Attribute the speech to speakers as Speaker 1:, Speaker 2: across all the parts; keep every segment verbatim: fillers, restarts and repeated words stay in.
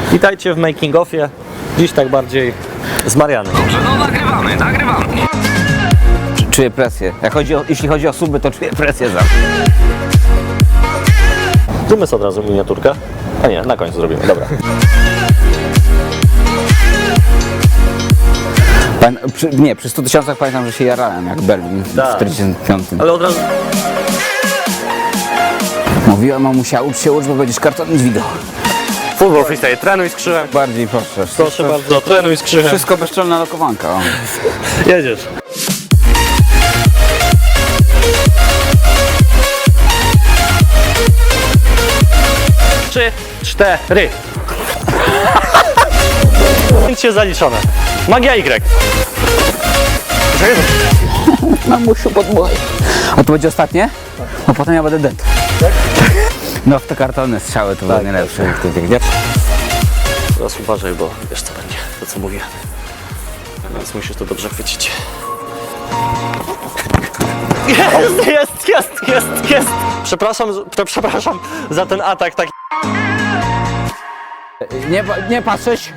Speaker 1: Witajcie w making offie. Dziś tak bardziej z Marianem.
Speaker 2: Dobrze, no nagrywamy, nagrywamy.
Speaker 3: Czuję presję. Jak chodzi o, jeśli chodzi o suby, to czuję presję za.
Speaker 1: Zróbmy sobie od razu miniaturkę. A nie, na końcu zrobimy, dobra.
Speaker 3: Pan, przy, nie, przy stu tysiącach pamiętam, że się jarałem jak Berlin w
Speaker 1: Tak.
Speaker 3: czterdziestym piątym.
Speaker 1: Ale od razu...
Speaker 3: Mówiła mamusia, ucz się, ucz, bo będziesz kartonić wideo.
Speaker 1: Futbol freestyle, trenuj z krzyżem.
Speaker 3: Bardziej proszę.
Speaker 1: Proszę bardzo, trenuj z krzyżem.
Speaker 3: Wszystko bezczelna lokowanka. O.
Speaker 1: Jedziesz. Trzy, cztery. Cię zaliczone. Magia Y.
Speaker 3: Mamusiu, podmuchaj. A to będzie ostatnie? A potem ja będę dead. No w te kartony strzały to były najlepsze. Jak ty biegniesz.
Speaker 1: Teraz uważaj, bo wiesz co będzie, to co mówię. Więc musisz to dobrze chwycić. Jest, jest, jest, jest, jest! Przepraszam, z- przepraszam za ten atak taki.
Speaker 3: Nie, nie patrzeć.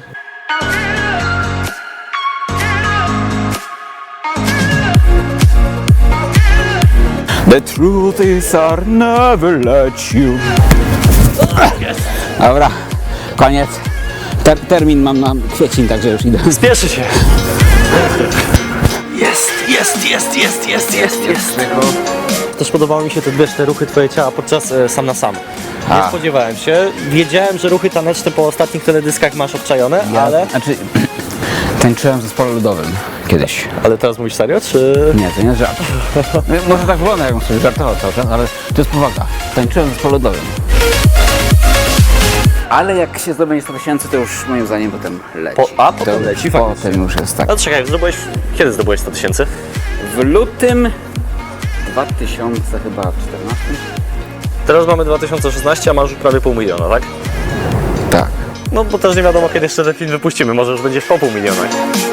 Speaker 3: The truth is I'll never let you. Dobra, koniec. Ter termin mam na kwiecień, także już idę.
Speaker 1: Spieszy się! Jest, jest, jest, jest, jest, jest, jest! Też podobały mi się te, wiesz, te ruchy twoje ciała podczas e, sam na sam. Nie
Speaker 3: A.
Speaker 1: spodziewałem się. Wiedziałem, że ruchy taneczne po ostatnich teledyskach masz obczajone,
Speaker 3: Ja,
Speaker 1: ale...
Speaker 3: Znaczy, tańczyłem w zespole ludowym kiedyś.
Speaker 1: Ale teraz mówisz serio, czy...
Speaker 3: Nie, to nie jest żart. Może tak wygląda, jakbym sobie żartował cały czas, ale to jest powaga. Tańczyłem w zespole ludowym. Ale jak się zdobędzie sto tysięcy, to już moim zdaniem potem leci.
Speaker 1: Po- a, potem
Speaker 3: to,
Speaker 1: leci, faktycznie.
Speaker 3: Potem już jest tak.
Speaker 1: A czekaj, zdobyłeś... Kiedy zdobyłeś sto tysięcy?
Speaker 3: W lutym dwa tysiące czternastym.
Speaker 1: Teraz mamy dwa tysiące szesnasty, a masz już prawie pół miliona, tak?
Speaker 3: Tak.
Speaker 1: No bo też nie wiadomo, kiedy jeszcze ten film wypuścimy, może już będzie po pół miliona.